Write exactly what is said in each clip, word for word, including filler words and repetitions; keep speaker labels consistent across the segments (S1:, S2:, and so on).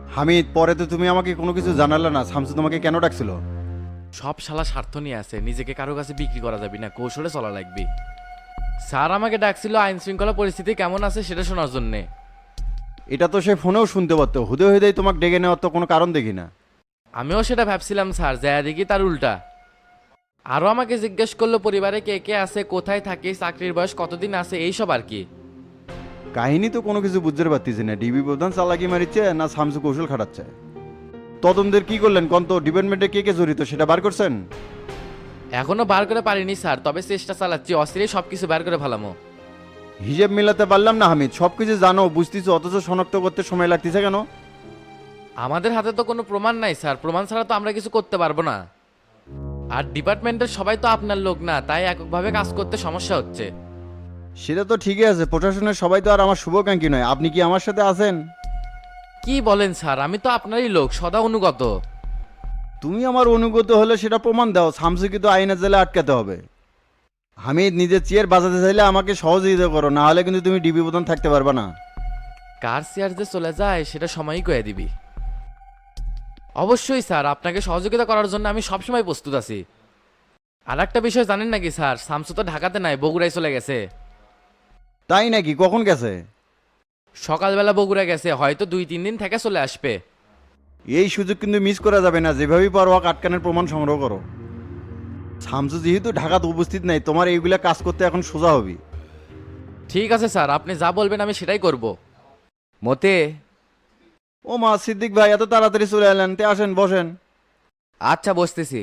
S1: হামিদ, পরে তো তুমি আমাকে কোনো কিছু জানালে না, শামসু তোমাকে কেন ডাকছিল?
S2: সব শালা স্বার্থ নিয়ে আছে, নিজেকে কারো কাছে বিক্রি করা যাবে না, কৌশলে চলা লাগবে। স্যার আমাকে ডাকছিল আইন শৃঙ্খলা পরিস্থিতি কেমন আছে সেটা শোনার জন্যে।
S1: এটা তো সে ফোনেও শুনতে পারতো, হুদে হুদেই তোমাকে ডেকে নেওয়ার তো কোনো কারণ দেখি না।
S2: আমিও সেটা ভাবছিলাম স্যার, যায় দেখি তার উল্টা। আরও আমাকে জিজ্ঞেস করলো পরিবারে কে কে আছে, কোথায় থাকে, চাকরির বয়স কতদিন আছে, এইসব আর কি।
S1: কাহিনী তো কোনো কিছু বুঝতে পারতেছি না, ডিবি প্রধান চালাকি মারিচ্ছে না শামসু কৌশল খাটাচ্ছে। তদন্তের কি করলেন কোন তো, ডিপার্টমেন্টে কে কে জড়িত সেটা বার করছেন?
S2: এখনো বার করে পারিনি স্যার, তবে চেষ্টা চালাচ্ছি, অস্থিরই সব কিছু বার করে ফেলামো।
S1: হিসেব মিলাতে পারলাম না হামিদ, সব কিছু জানো বুঝতেছো, অথচ শনাক্ত করতে সময় লাগতেছে কেন?
S2: আমাদের হাতে তো কোনো প্রমাণ নাই স্যার, প্রমাণ ছাড়া তো আমরা কিছু করতে পারবো না। আর ডিপার্টমেন্টের সবাই তো আপনার লোক না, তাই এককভাবে কাজ করতে সমস্যা হচ্ছে।
S1: সেটা তো ঠিকই আছে, প্রশাসনের সবাই তো আর আমার শুভাকাঙ্ক্ষী নয়। আপনি কি আমার সাথে আছেন?
S2: কি বলেন স্যার, আমি তো আপনারই লোক, সদা অনুগত।
S1: তুমি আমার অনুগত হলে সেটা প্রমাণ দাও, শামসুকে তো আইনের জেলে আটকাতে হবে। হামিদ, নিজের চেয়ার বাজাতে চাইলে আমাকে সহযোগিতা করো, না হলে কিন্তু তুমি ডিবি প্রধান থাকতে পারবে না।
S2: কার চেয়ার যে চলে যায় সেটা সময়ই কয়ে দিবি। অবশ্যই স্যার, আপনাকে সহযোগিতা করার জন্য আমি সবসময় প্রস্তুত আছি। আর একটা বিষয় জানেন নাকি স্যার, শামসু তো ঢাকাতে নাই, বগুড়ায় চলে গেছে।
S1: তাই নাকি? কখন গেছে?
S2: সকালবেলা বগুড়া গেছে, হয়তো দুই তিন দিন থেকে চলে আসবে।
S1: এই সুযোগ কিন্তু মিস করা যাবে না, যেভাবেই পারো ওকে আটকানোর প্রমাণ সংগ্রহ করো। শামসু যেহেতু ঢাকাতে উপস্থিত নাই, তোমার এইগুলা কাজ করতে এখন সোজা হবি।
S2: ঠিক আছে স্যার, আপনি যা বলবেন আমি সেটাই করব। মতে।
S1: ও মা, সিদ্দিক ভাই এত তাড়াতাড়ি চলে এলেন, তে আসেন বসেন।
S2: আচ্ছা, বসতেছি।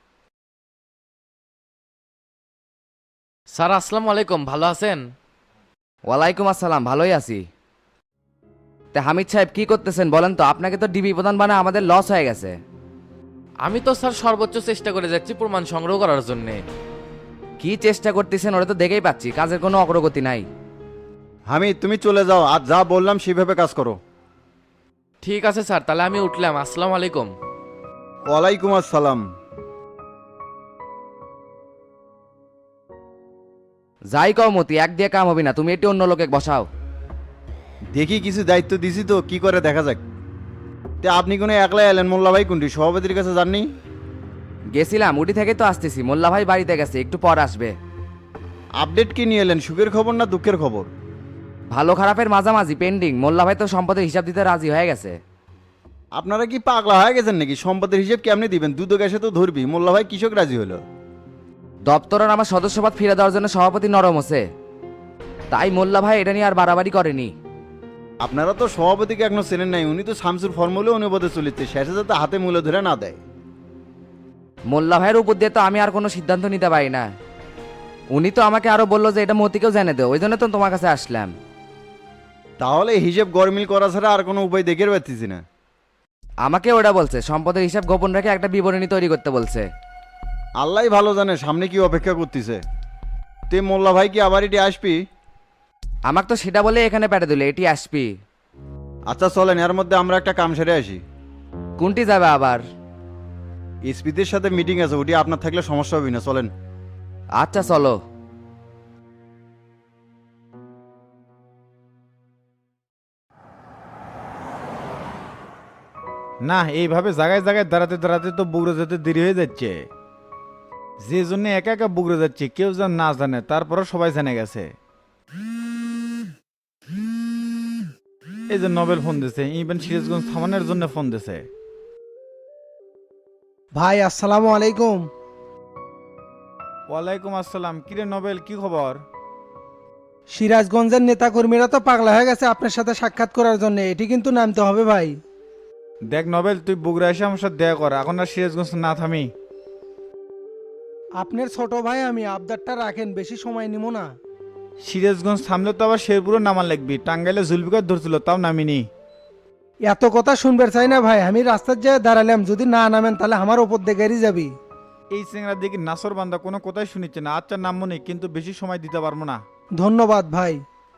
S2: স্যার আসসালামু আলাইকুম, ভালো আছেন?
S3: ওয়ালাইকুম আসসালাম, ভালোই আছি। তে হামিদ সাহেব কি করতেছেন বলেন তো? আপনাকে তো ডিবি প্রধান বানায় আমাদের লস হয়ে গেছে।
S2: আমি তো স্যার সর্বোচ্চ চেষ্টা করে যাচ্ছি প্রমাণ সংগ্রহ করার জন্য।
S3: কি চেষ্টা করতেছেন ওটা তো দেখেই পাচ্ছি, কাজের কোনো অগ্রগতি নাই।
S1: হামিদ, তুমি চলে যাও, আর যা বললাম সেইভাবে কাজ করো।
S2: ঠিক আছে স্যার, তাহলে আমি উঠলাম, আসসালামু আলাইকুম।
S1: ওয়ালাইকুম আসসালাম।
S3: যাই কও মতি, এক দিয়ে কাম হবি না, তুমি এটি অন্য লোকে বসাও।
S1: দেখি কিছু দায়িত্ব দিছি তো, কি করে দেখা যাক। তে আপনি কোনো একলা এলেন? মোল্লা ভাই কোনটি, সভাপতির কাছে যাননি?
S3: গেছিলাম, উটি থেকে তো আসতেছি, মোল্লা ভাই বাড়িতে গেছে, একটু পর আসবে।
S1: আপডেট কি নিয়ে এলেন, সুখের খবর না দুঃখের খবর?
S3: ভালো খারাপের মাঝামাঝি পেন্ডিং, মোল্লা ভাই তো সম্পদের হিসাব দিতে রাজি হয়ে গেছে।
S1: আপনারা কি পাগলা হয়ে গেছেন নাকি? সম্পদের হিসেব কেমনি দিবেন? দুধ গ্যাসে তো ধরবি। মোল্লা ভাই কৃষক রাজি হলো।
S3: দপ্তরের আমার সদস্যপদ ফিরে দেওয়ার জন্য সভাপতি নরম হচ্ছে, তাই মোল্লা ভাই এটা নিয়ে আর বাড়াবাড়ি করেনি।
S1: আপনারা তো সভাপতিকে এখনো চেনেন নাই, উনি তো শামসুর ফর্মুলে অনুবাদে চলিচ্ছে, শেষে যাতে হাতে মূল্য ধরে না দেয়।
S3: মোল্লা ভাইয়ের উপর দিয়ে তো আমি আর কোনো সিদ্ধান্ত নিতে পারি না। উনি তো আমাকে আরো বললো যে এটা মতিকেও জেনে দেও, ওই জন্য তো তোমার কাছে আসলাম।
S1: তাহলে হিসেব গরমিল করা ছাড়া আর কোনো উপায় দেখে পাচ্ছি না।
S3: আমাকে ওটা বলছে সম্পদের হিসাব গোপন রেখে একটা বিবরণী তৈরি করতে বলছে।
S1: আল্লাহ ভালো জানে সামনে কি অপেক্ষা করতেছে। তুই মোল্লা ভাই কি আবার এটি আসবি?
S3: আমাকে তো সেটা বলে এখানে পেটে দিলে এটি আসবি।
S1: আচ্ছা চলেন, এর মধ্যে আমরা একটা কাম সেরে আসি।
S3: কোনটি যাবে আবার?
S1: এসপিদের সাথে মিটিং আছে, ওটি আপনার থাকলে সমস্যা হবে না, চলেন।
S3: আচ্ছা চলো।
S4: না, এইভাবে জায়গায় জায়গায় দাঁড়াতে দাঁড়াতে তো বগুড়া যেতে দেরি হয়ে যাচ্ছে। যে জন্য একা একা বগুড়া যাচ্ছে, কেউ যেন না জানে, তারপরও সবাই জেনে গেছে। এই যে নোবেল ফোন দিছে, ইভেন সিরাজগঞ্জ থামানোর জন্য ফোন দিছে।
S5: ভাই আসসালামু আলাইকুম।
S4: ওয়ালাইকুম আসসালাম। কিরে নোবেল, কি খবর?
S5: সিরাজগঞ্জের নেতাকর্মীরা তো পাগলা হয়ে গেছে আপনার সাথে সাক্ষাৎ করার জন্য, এটি কিন্তু নামতে হবে ভাই।
S4: দেখ নোবেল, তুই বগুড়া এসে আমার সাথে দেখা কর, এখন আর সিরাজগঞ্জ না থামি।
S5: আপনার ছোট ভাই আমি, আবদারটা রাখেন, বেশি সময় নিব না।
S4: সিরাজগঞ্জ থামলে তো আবার শেরপুরও নামান লাগবি, টাঙ্গাইলে জুলবিকার ধরছিল, তাও নামিনি।
S5: এত কথা শুনবে চাই না ভাই, আমি রাস্তার যায় দাঁড়ালাম, যদি না নামেন তাহলে আমার ওপর দিয়ে গাড়ি যাবি।
S4: এই চেংরা দেখি নাসর বান্দা কোনো কথাই শুনিচ্ছে না। আচ্ছা নামবো নি, কিন্তু বেশি সময় দিতে পারবো না।
S5: ধন্যবাদ ভাই।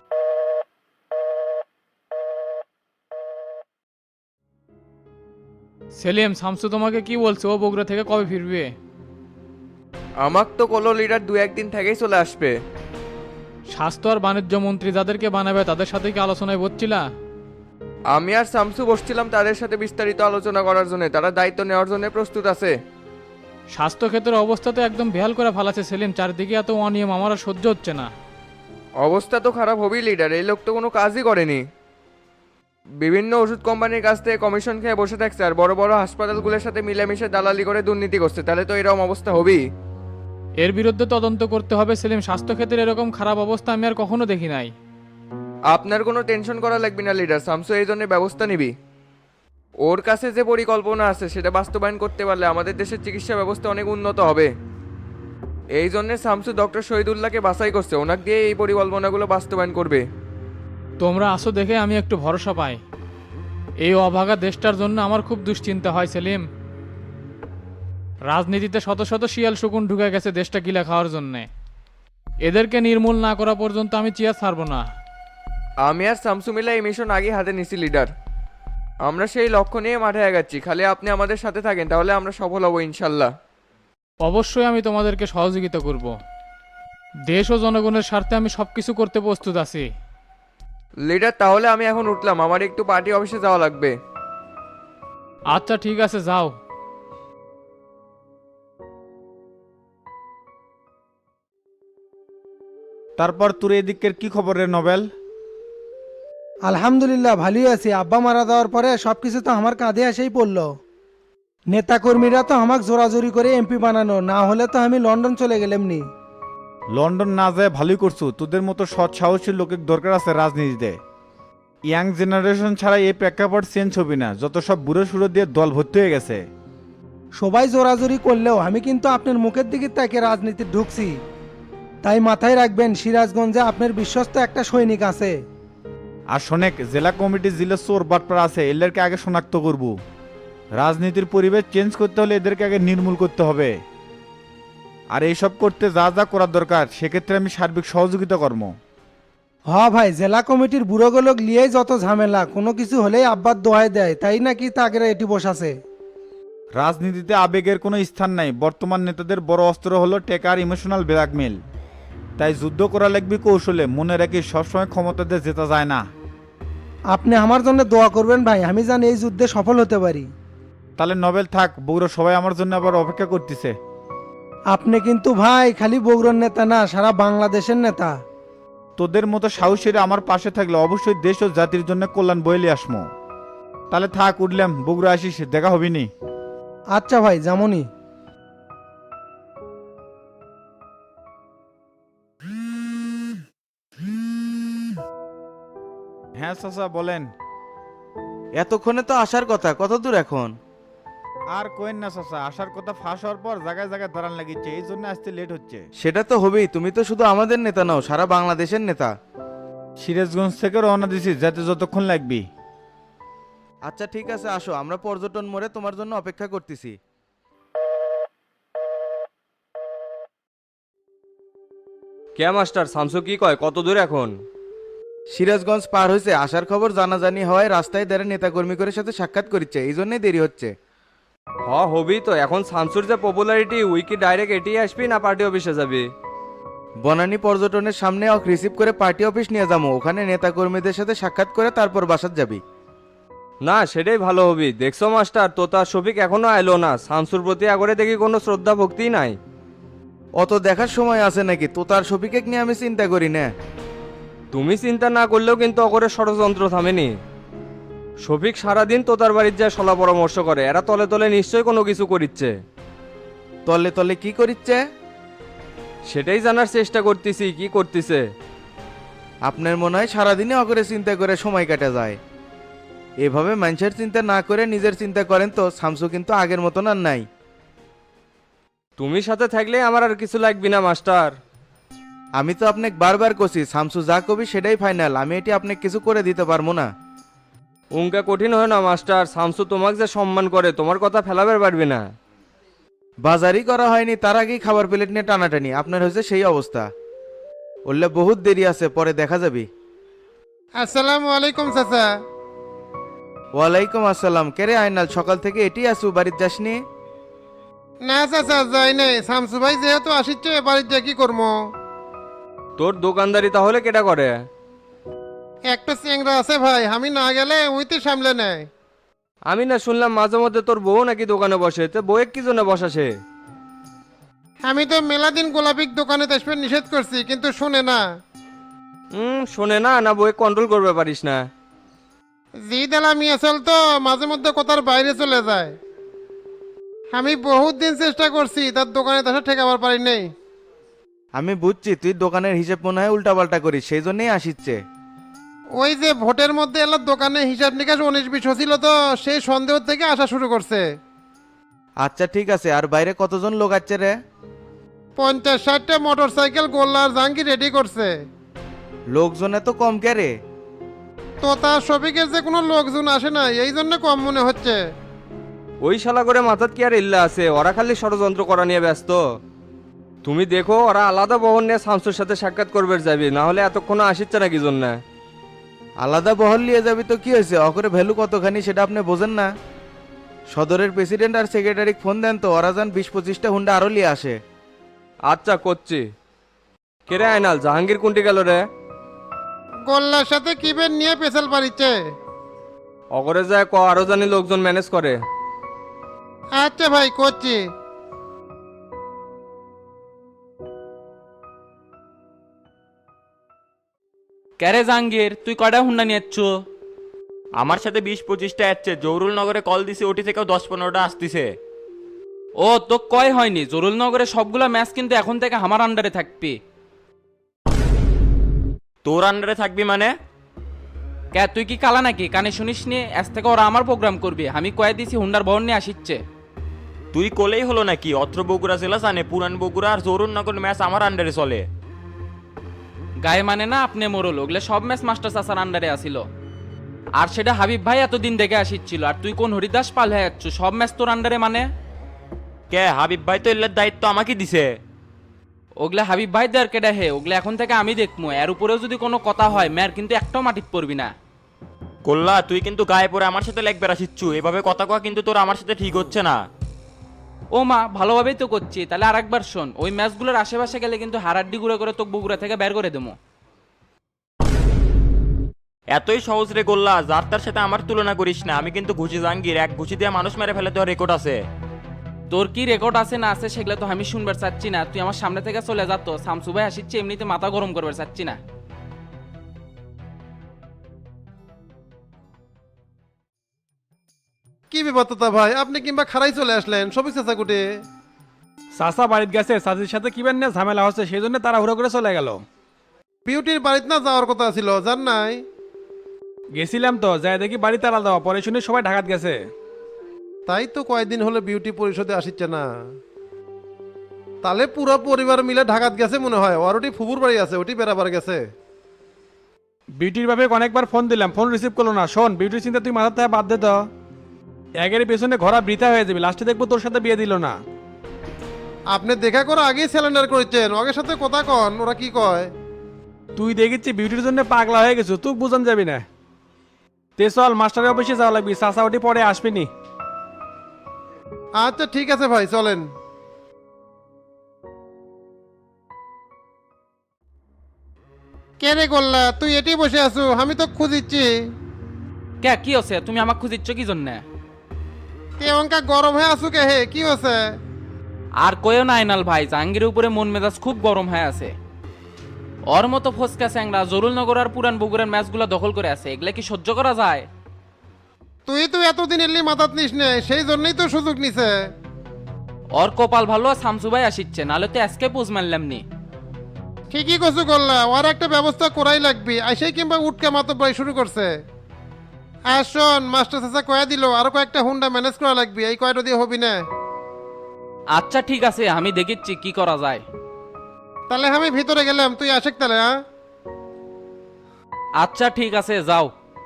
S6: সেলিম, শামসু তোমাকে কি বলছে? ও বগুড়া থেকে কবে ফিরবে?
S7: আমাক তো কলো লিডার দু একদিন থেকেই চলে আসবে।
S6: স্বাস্থ্য আর বাণিজ্য মন্ত্রী যাদেরকে বানাবে তাদের সাথে কি আলোচনায় বসছিলা?
S7: আমি আর শামসু বসছিলাম তাদের সাথে বিস্তারিত আলোচনা করার জন্য, তারা দায়িত্ব নেওয়ার জন্য প্রস্তুত আছে।
S6: স্বাস্থ্য ক্ষেত্রের অবস্থা তো একদম বেহাল করে ফেলাছে সেলিম, চারদিকে এত অনিয়ম আমার আর সহ্য হচ্ছে না।
S7: অবস্থা তো খারাপ হবেই লিডার, এই লোক তো কোনো কাজই করেনি। বিভিন্ন ওষুধ কোম্পানির কাছ থেকে কমিশন খেয়ে বসে থাকছে আর বড় বড় হাসপাতালগুলোর সাথে মিলেমিশে দালালি করে দুর্নীতি করছে, তাহলে তো এরকম অবস্থা হবেই।
S6: এর বিরুদ্ধে তদন্ত করতে হবে সেলিম, স্বাস্থ্য ক্ষেত্রে এরকম খারাপ অবস্থা আমি আর কখনো দেখি নাই।
S7: আপনার কোনো টেনশন করা লাগবে না লিডার, শামসু এই জন্য ব্যবস্থা নিবি। ওর কাছে যে পরিকল্পনা আছে সেটা বাস্তবায়ন করতে পারলে আমাদের দেশের চিকিৎসা ব্যবস্থা অনেক উন্নত হবে। এই জন্য শামসু ডক্টর শহীদুল্লাহকে বাছাই করছে, ওনাকে দিয়ে এই পরিকল্পনাগুলো বাস্তবায়ন করবে।
S6: তোমরা আসো দেখে আমি একটু ভরসা পাই। এই অভাগা দেশটার জন্য আমার খুব দুশ্চিন্তা হয় সেলিম। রাজনীতিতে শত শত শিয়াল শকুন ঢুকে গেছে দেশটা গিলা খাওয়ার জন্যে। এদেরকে নির্মূল না করা পর্যন্ত আমি চেয়ার ছাড়বো না।
S7: আমি আর শামসু মিলা এই মিশন আগে হাতে নিছি লিডার, আমরা সেই লক্ষ্য নিয়ে মাঠে আগাচ্ছি। খালি আপনি আমাদের সাথে থাকেন তাহলে আমরা সফল হব ইনশাল্লাহ।
S6: অবশ্যই আমি তোমাদেরকে সহযোগিতা করব। দেশ ও জনগণের স্বার্থে আমি সব কিছু করতে প্রস্তুত আছি।
S7: লিডার তাহলে আমি এখন উঠলাম, আমার একটু পার্টি অফিসে যাওয়া লাগবে।
S6: আচ্ছা ঠিক আছে, যাও।
S4: তারপর তোর এদিকের কি খবর রে নোবেল?
S5: আলহামদুলিল্লাহ ভালোই আছি। আব্বা মারা যাওয়ার পরে সবকিছু তো আমার কাঁধে এসেই পড়লো। নেতাকর্মীরা তো আমাকে জোরাজোরি করে এমপি বানানো, না হলে তো আমি লন্ডন চলে গেলাম নি।
S4: লন্ডন না যায় ভালোই করছু, তোদের মতো সৎ সাহসী লোকের দরকার আছে রাজনীতিতে। ইয়াং জেনারেশন ছাড়া এই প্রেক্ষাপট চেঞ্জ হবে না, যত সব বুড়ো সুড়ো দিয়ে দল ভর্তি হয়ে গেছে।
S5: সবাই জোরাজোরি করলেও আমি কিন্তু আপনার মুখের দিকে তাকে রাজনীতি ঢুকছি। তাই মাথায় রাখবেন সিরাজগঞ্জে আপনার বিশ্বস্ত একটা সৈনিক আছে।
S4: আর শোনেক, জেলা কমিটি জেলা চোর বাটপাড়া আছে, এদেরকে আগে শনাক্ত করব। রাজনীতির পরিবেশ চেঞ্জ করতে হলে এদেরকে আগে নির্মূল করতে হবে। আর এইসব করতে যা যা করার দরকার সেক্ষেত্রে আমি সার্বিক সহযোগিতা করব।
S5: হ ভাই, জেলা কমিটির বুড়োগুলোক লিয়েই যত ঝামেলা, কোনো কিছু হলেই আব্বার দোহাই দেয়, তাই নাকি তাকে এটি বসাছে।
S4: রাজনীতিতে আবেগের কোনো স্থান নাই, বর্তমান নেতাদের বড় অস্ত্র হলো টেকার ইমোশনাল ব্ল্যাকমেল। তাই যুদ্ধ করা লাগবে কৌশলে, মনে রাখি সবসময় ক্ষমতাতে জেতা যায় না।
S5: আপনি আমার জন্য দোয়া করবেন ভাই, আমি জানি এই যুদ্ধে সফল হতে পারি।
S4: তাহলে নোবেল থাক, বগুড়া সবাই আমার জন্য আবার অপেক্ষা করতেছে।
S5: আপনি কিন্তু ভাই খালি বগুড়ার নেতা না, সারা বাংলাদেশের নেতা।
S4: তোদের মতো সাহসীরা আমার পাশে থাকলে অবশ্যই দেশ ও জাতির জন্য কল্যাণ বইলে আসমো। তাহলে থাক, উঠলাম, বগুড়া আসিস, দেখা হবিনি।
S5: আচ্ছা ভাই, যেমনই।
S4: হ্যাঁ চাচা বলেন।
S8: এতক্ষণে তো আসার কথা, কত দূর এখন?
S4: আর কোয়েন না চাচা, আসার কথা ফাঁস হওয়ার পর জায়গায় জায়গায় দাঁড়ান লাগিচ্ছে, এই জন্য আসতে লেট হচ্ছে।
S8: সেটা তো হবেই, তুমি তো শুধু আমাদের নেতা নাও, সারা বাংলাদেশের নেতা।
S4: সিরাজগঞ্জ থেকে রওনা দিছি, যাতে যতক্ষণ লাগবি।
S8: আচ্ছা ঠিক আছে, আসো, আমরা পর্যটন মোড়ে তোমার জন্য অপেক্ষা করতেছি।
S9: কে মাস্টার শামসু কি কয়, কত দূর এখন?
S8: সিরাজগঞ্জ পার হয়েছে, আসার খবর জানাজানি হওয়ায় রাস্তায় দাঁড়িয়ে নেতাকর্মী করে সাথে সাক্ষাৎ করিচ্ছে, এই জন্যই দেরি হচ্ছে।
S9: হ হবি তো, এখন শামসুর যে পপুলারিটি, উইকি ডাইরেক্ট এটি আসবি না পার্টি অফিসে যাবি?
S8: বনানী পর্যটনের সামনে অক রিসিভ করে পার্টি অফিস নিয়ে যাবো, ওখানে নেতাকর্মীদের সাথে সাক্ষাৎ করে তারপর বাসাত যাবি।
S9: না সেটাই ভালো হবি। দেখছো মাস্টার, তোতা শফিক এখনো আইলো না, শামসুর প্রতি আগরে দেখি কোনো শ্রদ্ধা ভক্তি নাই।
S8: অত দেখার সময় আছে নাকি? তো তার শফিকে নিয়ে আমি চিন্তা করি না।
S9: তুমি চিন্তা না করলেও কিন্তু অকরে ষড়যন্ত্র থামেনি। শফিক সারাদিন তোতার বাড়ির যায় সলা পরামর্শ করে, এরা তলে তলে নিশ্চয়ই কোনো কিছু করিচ্ছে।
S8: তলে তলে কি করিচ্ছে?
S9: সেটাই জানার চেষ্টা করতেছি কি করতেছে।
S8: আপনার মনে হয় সারাদিনে অকরে চিন্তা করে সময় কাটা যায়? এভাবে মানুষের চিন্তা না করে নিজের চিন্তা করেন তো, শামসু কিন্তু আগের মতন আর নাই।
S9: তুমি সাথে থাকলে আমার আর কিছু লাগবে না মাস্টার।
S8: আমি তো আপনাকে বারবার কছি, শামসু যা কবি সেটাই ফাইনাল, আমি এটি আপনাকে কিছু করে দিতে পারবো না।
S9: উনকা কঠিন হয় না মাস্টার, শামসু তোমাকে যে সম্মান করে তোমার কথা ফেলাবার পারবে না।
S8: বাজারই করা হয়নি তার আগেই খাবার প্লেট নিয়ে টানাটানি, আপনার হয়েছে সেই অবস্থা। বললে বহুত দেরি আছে, পরে দেখা যাবে।
S10: আসসালামু আলাইকুম চাচা।
S8: ওয়ালাইকুম আসসালাম। কেরে আইনাল, সকাল থেকে এটি আসু, বাড়ির যাসনি?
S10: না চাচা যাই নাই, শামসু ভাই যেহেতু আসিচ্ছে বাড়ির যা কি করবো।
S9: তোর দোকানদারি তাহলে কেটা করে?
S10: একটা চেংরা আছে ভাই, আমি না গেলে উইতে সামলে নেয়।
S9: আমি না শুনলাম মাঝে মধ্যে তোর বউ নাকি দোকানে বসে, তো বউয়ের কি জন্য বসাসে?
S10: আমি তো মেলা দিন গোলাপিক দোকানে আসবে নিষেধ করছি, কিন্তু শুনে না।
S9: হুম, শোনে না না বউয়ে কন্ট্রোল করবে পারিস না?
S10: জি দালা মিয়া চল তো মাঝে মধ্যে কথার বাইরে চলে যায়। আমি বহুত দিন চেষ্টা করছি তার দোকানে আসা ঠেকাবার পারি নাই।
S8: আমি বুঝছি তুই দোকানের হিসেব মনে হয় উল্টাপাল্টা করিস, সেই জন্যই আসিচ্ছে।
S10: ওই যে ভোটের মধ্যে এলার দোকানে হিসাব নিকাশ উনিশ বিশ হছিল, তো সেই সন্দেহ থেকে আসা শুরু করছে।
S8: আচ্ছা ঠিক আছে, আর বাইরে কতজন লোক আছে রে?
S10: পঞ্চাশ ষাটটা মোটর সাইকেল গোল্লা আর জাঙ্গি রেডি করছে।
S8: লোকজনে তো কম কে রে?
S10: তো তার শফিকের যে কোনো লোকজন আসে না, এই জন্য কম মনে হচ্ছে।
S9: ওই শালা করে মাথার কি আর ইল্লা আছে, ওরা খালি ষড়যন্ত্র করা নিয়ে ব্যস্ত। তুমি দেখো ওরা আলাদা বহন নিয়ে শামসুর সাথে সাক্ষাৎ করবে যাবি, না হলে এতক্ষণ আসিচ্ছে না কি জন্য?
S8: আলাদা বহল নিয়ে যাবি তো কি হয়েছে, অকরে ভ্যালু কতখানি সেটা আপনি বোঝেন না? সদরের প্রেসিডেন্ট আর সেক্রেটারি ফোন দেন তো, ওরা যান বিশ পঁচিশটা হুন্ডা আরো নিয়ে আসে।
S9: আচ্ছা করছি। কে রে আইনাল, জাহাঙ্গীর কোনটি গেল রে?
S10: গোল্লার সাথে কিবেন নিয়ে পেছাল পারিচ্ছে।
S9: অগরে যায় ক আরো জানি লোকজন ম্যানেজ করে।
S10: আচ্ছা ভাই করছি।
S11: ক্যারে জাহাঙ্গীর, তুই কয়টা হুন্ডা নিয়েছ?
S12: আমার সাথে বিশ পঁচিশটা আসছে, জৌরুল নগরে কল দিছি, ওটি থেকেও দশ পনেরোটা আসতেছে।
S11: ও তো কয় হয়নি, জরুল নগরে সবগুলা ম্যাচ কিন্তু এখন থেকে আমার আন্ডারে থাকবি।
S12: তোর আন্ডারে থাকবি মানে?
S11: কে তুই কি কালা নাকি, কানে শুনিস নি? আজ থেকে ওরা আমার প্রোগ্রাম করবি, আমি কয়ে দিছি হুন্ডার বহন নিয়ে আসিচ্ছে।
S12: তুই কোলেই হলো নাকি? অত্র বগুড়া জেলা জানে, পুরান বগুড়া আর জৌরুল নগর ম্যাচ আমার আন্ডারে চলে।
S11: গায়ে মানে না আপনি মোরল, ওগুলো সব ম্যাচ মাস্টার চাচার আন্ডারে আসিল। আর সেটা হাবিব ভাই এতদিন দেখে আসিচ্ছিল, আর তুই কোন হরিদাস পাল হয়ে যাচ্ছ? সব ম্যাচ তোর আন্ডারে মানে?
S12: কে হাবিব ভাই তো এর দায়িত্ব আমাকে দিছে।
S11: ওগুলা হাবিব ভাই দেয়ার কেডা হে, ওগুলা এখন থেকে আমি দেখবো। এর উপরেও যদি কোনো কথা হয় ম্যার কিন্তু একটাও মাটিত পড়বি না।
S12: কোল্লা তুই কিন্তু গায়ে পড়ে আমার সাথে লেগ বেড়াচ্ছিচ্ছু, এভাবে কথা কয়া কিন্তু তোর আমার সাথে ঠিক হচ্ছে না।
S11: ও মা, ভালোভাবেই তো করছি, তাহলে আর একবার শোন, ওই ম্যাচগুলোর আশেপাশে গেলে কিন্তু হারাড্ডি গুঁড়ো করে তোকে বগুড়া থেকে বের করে দেবো।
S12: এতই সহজ রে গোল্লা, যার তার সাথে আমার তুলনা করিস না। আমি কিন্তু ঘুষি জাহাঙ্গীর, এক ঘুষি দিয়ে মানুষ মেরে ফেলে দেওয়ার রেকর্ড আছে।
S11: তোর কি রেকর্ড আছে না আছে সেগুলো তো আমি শুনবার চাচ্ছি না, তুই আমার সামনে থেকে চলে যা তো। শামসু ভাই আসিচ্ছে, এমনিতে মাথা গরম করবার চাচ্ছি না।
S10: কি বিপত্তা ভাই, আপনি কিংবা খারাই চলে আসলেন? সবই চেষ্টা কুটে
S6: চাচা বাড়িতে গেছে, চাচির সাথে কিবেন নিয়ে ঝামেলা হচ্ছে, সেই জন্য তাড়াহুড়ো করে চলে গেল।
S10: বিউটির বাড়িতে না যাওয়ার কথা ছিল, জান নাই?
S6: গেছিলাম তো, যাই দেখি বাড়ি তালা দেওয়া, পরে শুনে সবাই ঢাকাত গেছে।
S10: তাই তো কয়েকদিন হলে বিউটি পরিষদে আসিচ্ছে না। তাহলে পুরো পরিবার মিলে ঢাকাত গেছে মনে হয়। আর ওটি ফুবুর বাড়ি আছে, ওটি বেড়াবার গেছে।
S6: বিউটির ভাবে অনেকবার ফোন দিলাম, ফোন রিসিভ করলো না। শোন, বিউটির চিন্তা তুই মাথার থেকে বাদ দে তো। একের পেছনে ঘোরা বৃথা হয়ে যাবে, লাস্টে দেখবো তোর সাথে বিয়ে দিল না।
S10: আপনি দেখা করে আগেই সিলিন্ডার করেছেন, ওদের সাথে কথা কন, ওরা কি কয়?
S6: তুই দেখিচ্ছি বিউটির জন্য পাগলা হয়ে গেছো, তুই বুঝান যাবি না। তে চল, মাস্টারের অফিসে যাওয়া লাগবি, চাচা ওটি পরে আসবিনি।
S10: আচ্ছা ঠিক আছে ভাই, চলেন। কে রে গোল্লা, তুই এটি বসে আছো? আমি তো খুঁজিচ্ছি।
S11: কে কি হচ্ছে, তুমি আমাকে খুঁজিচ্ছ কি জন্য?
S10: কে অঙ্কা গরম হয়ে আছো কে হে, কি হচ্ছে?
S11: আর কয়েও না আইনাল ভাই, জাহাঙ্গীরের উপরে মন মেজাজ খুব গরম হয়ে আছে। ওর মতো ফসকা স্যাংরা জরুল নগর আর পুরান বগুড়ার ম্যাচগুলো দখল করে আছে, এগুলা কি সহ্য করা যায়?
S10: তুই তো এতদিন এলি মাথাত নিস নে, সেই জন্যই তো সুযোগ নিছে।
S11: ওর কপাল ভালো, শামসু ভাই আসিচ্ছে, নাহলে তো আজকে পোজ মারলাম নি।
S10: ঠিকই কছু করলা, ওর একটা ব্যবস্থা করাই লাগবি। আইসাই কিংবা উঠকে মাতো প্রায় শুরু করছে। আর শোন, মাস্টার চাচা কয়া দিল আরো কয়েকটা হুন্ডা ম্যানেজ করা লাগবে, এই কয়টা দিয়ে হবি না।
S11: আচ্ছা ঠিক আছে, আমি দেখিচ্ছি কি করা যায়।
S10: তাহলে আমি ভিতরে গেলাম, তুই আসেক তাহলে। হ্যাঁ
S11: আচ্ছা ঠিক আছে, যাও।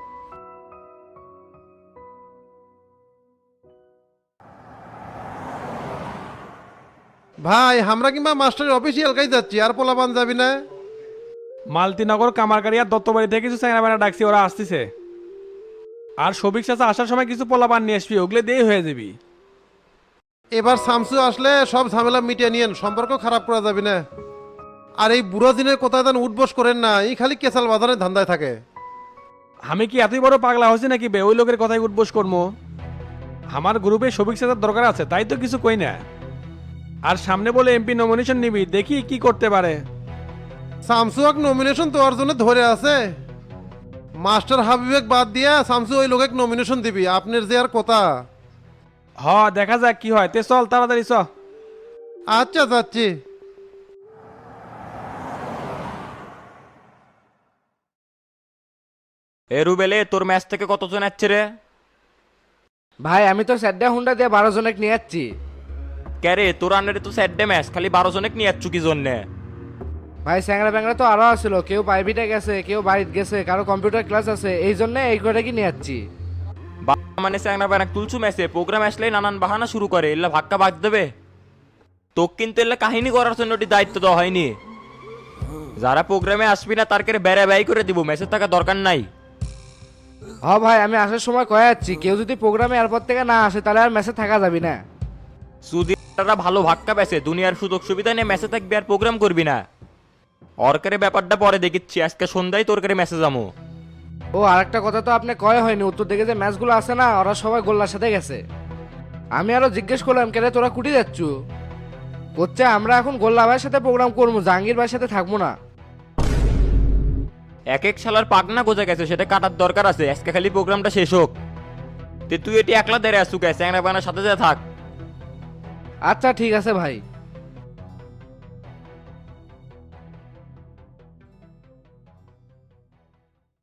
S10: ভাই, আমরা কিংবা মাস্টারের অফিসিয়াল কাজ যাচ্ছি, আর পোলাপান যাবি না?
S6: মালতিনগর কামারকারি আর দত্তবাড়ি থেকে কিছু চ্যাংরা বেড়া ডাকছি, ওরা আসতেছে। আর সবিক চাচা আসার সময় কিছু পোলাপান নিয়ে আসবি, ওগুলো দিয়ে হয়ে যাবি।
S10: এবার শামসু আসলে সব ঝামেলা মিটিয়ে নিয়েন, সম্পর্ক খারাপ করা যাবে না। আর এই বুড়ো দিনের কোথায় যেন উঠবস করেন না, এই খালি কেসাল বাজানের ধান্দায় থাকে।
S6: আমি কি এতই বড় পাগলা হয়েছি নাকি বে ওই লোকের কথাই উঠবোস করবো? আমার গ্রুপে সবিক সাজার দরকার আছে, তাই তো কিছু কই না। আর সামনে বলে এমপি নমিনেশন নিবি, দেখি কি করতে পারে।
S10: শামসু এক নমিনেশন তোর জন্য ধরে আছে। মাস্টার হাবিবেক বাদ দিয়া শামসু ওই লোকে নমিনেশন দিবি, আপনার যে আর কথা।
S6: হ দেখা যাক কি হয়, তে চল তাড়াতাড়ি চ।
S10: আচ্ছা যাচ্ছি।
S12: এ রুবেলে তোর ম্যাচ থেকে কতজন আসছে রে?
S3: ভাই আমি তো স্যাড্ডা হুন্ডা দিয়ে বারো জনেক নিয়ে যাচ্ছি।
S12: ক্যারে তোর আন্ডারে তো স্যাডে ম্যাচ, খালি বারো জনেক নিয়ে যাচ্ছ কি জন্যে?
S3: ভাই স্যাংরা ব্যাংরা তো আরো আসছিল, কেউ প্রাইভেটে গেছে, কেউ বাড়িতে গেছে, কারো কম্পিউটার ক্লাস আছে, এই জন্য এই করে কি নিয়ে যাচ্ছি।
S12: বা- মানে স্যাংরা ব্যানাক তুলছু ম্যাচে, প্রোগ্রাম আসলে নানান বাহানা শুরু করে, এল্লা ভাক্কা ভাগ দেবে। তোকে কিন্তু এল্লা কাহিনী করার জন্য ওটি দায়িত্ব দেওয়া হয়নি। যারা প্রোগ্রামে আসবি না তার করে বেড়া ব্যয় করে দিব, ম্যাচের থাকা দরকার নাই।
S3: হ ভাই আমি আসার সময় কয়ে যাচ্ছি, কেউ যদি প্রোগ্রামে এয়ারপোর্ট থেকে না আসে তাহলে আর মেসে থাকা যাবি না।
S12: সুদিরা ভালো ভাক্কা পেছে, দুনিয়ার সুযোগ সুবিধা নিয়ে ম্যাচে থাকবি আর প্রোগ্রাম করবি না। অরকারে ব্যাপারটা পরে দেখিচ্ছি, আজকে সন্ধ্যায় তোর করে মেসেজ আমো।
S3: ও আরেকটা কথা তো আপনি কয়ে হয়নি, উত্তর দিকে যে ম্যাচগুলো আছে না ওরা সবাই গোল্লার সাথে গেছে। আমি আরো জিজ্ঞেস করলাম কেন তোরা কুটি যাচ্ছ, করছে আমরা এখন গোল্লা ভাইয়ের সাথে প্রোগ্রাম করবো, জাহাঙ্গীর ভাইয়ের সাথে থাকবো না।
S12: এক এক শালার পাকনা গোজা গেছে, সেটা কাটার দরকার আছে, আজকে খালি প্রোগ্রামটা শেষ হোক। তে তুই এটি একলা দেরে আসু গেছে, বানার সাথে যা থাক।
S3: আচ্ছা ঠিক আছে ভাই।